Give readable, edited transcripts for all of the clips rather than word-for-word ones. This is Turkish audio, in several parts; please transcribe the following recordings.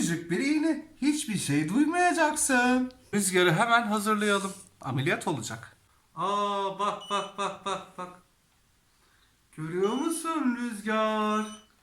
Küçücük bir iğne. Hiçbir şey duymayacaksın. Rüzgarı hemen hazırlayalım. Ameliyat olacak. Aa, bak bak bak bak bak. Görüyor musun Rüzgar?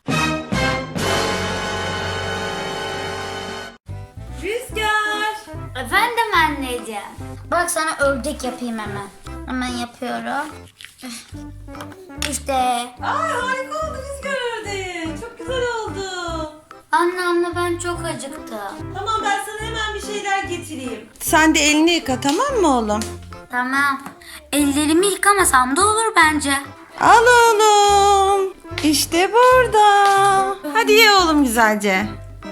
Rüzgar. Efendim anneciğim. Bak sana ördek yapayım hemen. Hemen yapıyorum. İşte. Ay harika oldu Rüzgar ördeğin. Çok güzel oldu. Anne ama ben çok acıktım. Tamam ben sana hemen bir şeyler getireyim. Sen de elini yıka tamam mı oğlum? Tamam. Ellerimi yıkamasam da olur bence. Al oğlum. İşte burada. Hadi ye oğlum güzelce.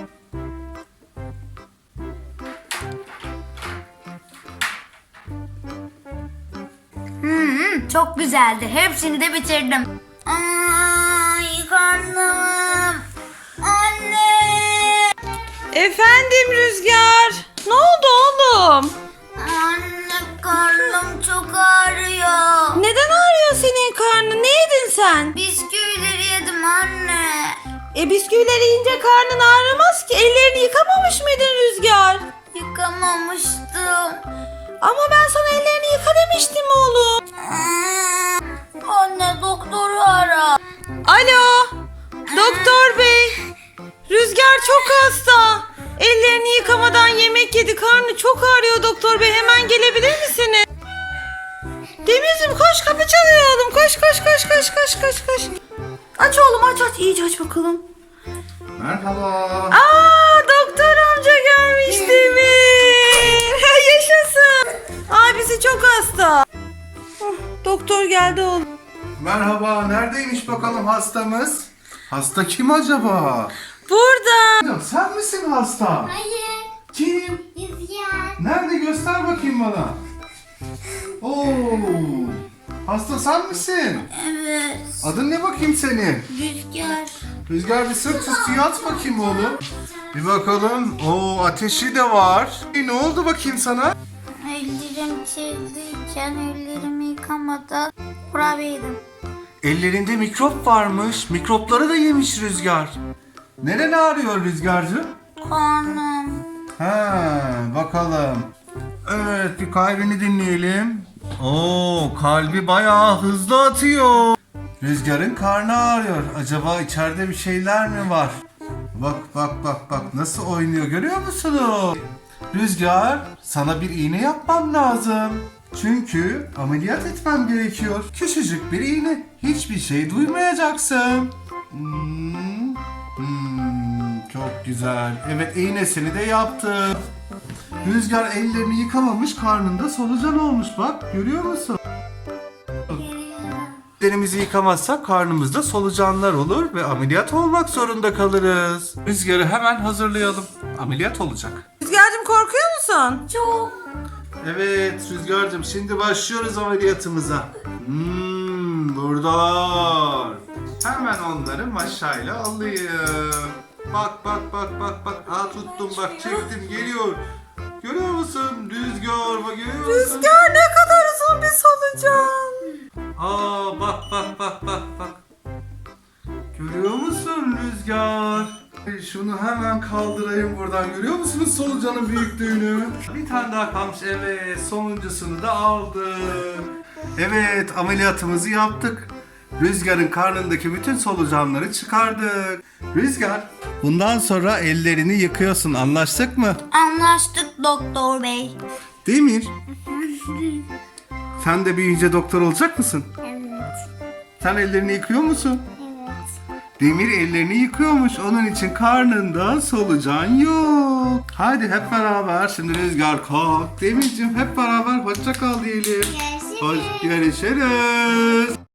Çok güzeldi. Hepsini de bitirdim. Ay karnım. Anne. Efendim Rüzgar. Ne oldu oğlum? Anne karnım çok ağrıyor. Neden ağrıyor senin karnın? Ne yedin sen? Bisküvileri yedim anne. Bisküvileri yiyince karnın ağrımaz ki. Ellerini yıkamamış mıydın Rüzgar? Yıkamamıştım. Ama ben sana ellerini yıka demiştim oğlum. Anne doktoru ara. Alo. Doktor bey. Rüzgar çok hasta. Ellerini yıkamadan yemek yedi. Karnı çok ağrıyor doktor bey. Hemen gelebilir misiniz? Demircim koş, kapı çalıyor oğlum. Koş koş koş koş koş koş koş. Aç oğlum, aç aç. İyice aç bakalım. Merhaba. Aa, doktor amca gelmiş Demir. Yaşasın. Abisi çok hasta. Doktor geldi oğlum. Merhaba. Neredeymiş bakalım hastamız? Hasta kim acaba? Burada. Ya, sen misin hasta? Hayır. Kim? Rüzgar. Nerede? Göster bakayım bana. Oo. Hasta sen misin? Evet. Adın ne bakayım senin? Rüzgar. Rüzgar bir sırt üstü yat bakayım oğlum. Bir bakalım. Oo, ateşi de var. Ne oldu bakayım sana? Ellerim kirliyken ellerimi yıkamadan kurabiye yedim. Ellerinde mikrop varmış. Mikropları da yemiş Rüzgar. Neren ağrıyor Rüzgarcığım? Karnım. Ha, bakalım. Evet, bir kalbini dinleyelim. Oo, kalbi bayağı hızlı atıyor. Rüzgar'ın karnı ağrıyor. Acaba içeride bir şeyler mi var? Bak bak bak bak nasıl oynuyor, görüyor musunuz? Rüzgar, sana bir iğne yapmam lazım. Çünkü ameliyat etmem gerekiyor. Küçücük bir iğne. Hiçbir şey duymayacaksın. Çok güzel. Evet, iğnesini de yaptım. Rüzgar ellerini yıkamamış, karnında solucan olmuş, bak görüyor musun? Ellerimizi yıkamazsak karnımızda solucanlar olur ve ameliyat olmak zorunda kalırız. Rüzgarı hemen hazırlayalım. Ameliyat olacak. Rüzgar'cığım korkuyor musun? Çok. Evet Rüzgar'cığım, şimdi başlıyoruz ameliyatımıza. Buradalar. Hemen onları maşayla alayım. Bak bak bak bak bak. Aa, tuttum bak, çektim, geliyor. Görüyor musun Rüzgar, bak görüyor musun? Rüzgar ne kadar uzun bir solucan. Aa, bak bak bak bak bak. Görüyor musun Rüzgar? Şunu hemen kaldırayım buradan. Görüyor musunuz solucanın büyüklüğünü? Bir tane daha kalmış. Evet, sonuncusunu da aldık. Evet, ameliyatımızı yaptık. Rüzgar'ın karnındaki bütün solucanları çıkardık. Rüzgar, bundan sonra ellerini yıkıyorsun. Anlaştık mı? Anlaştık doktor bey. Demir, sen de büyüyünce doktor olacak mısın? Evet. Sen ellerini yıkıyor musun? Evet. Demir ellerini yıkıyormuş. Onun için karnında solucan yok. Hadi hep beraber. Şimdi Rüzgar kalk. Demirciğim hep beraber hoşça kal diyelim. Görüşürüz. Görüşürüz.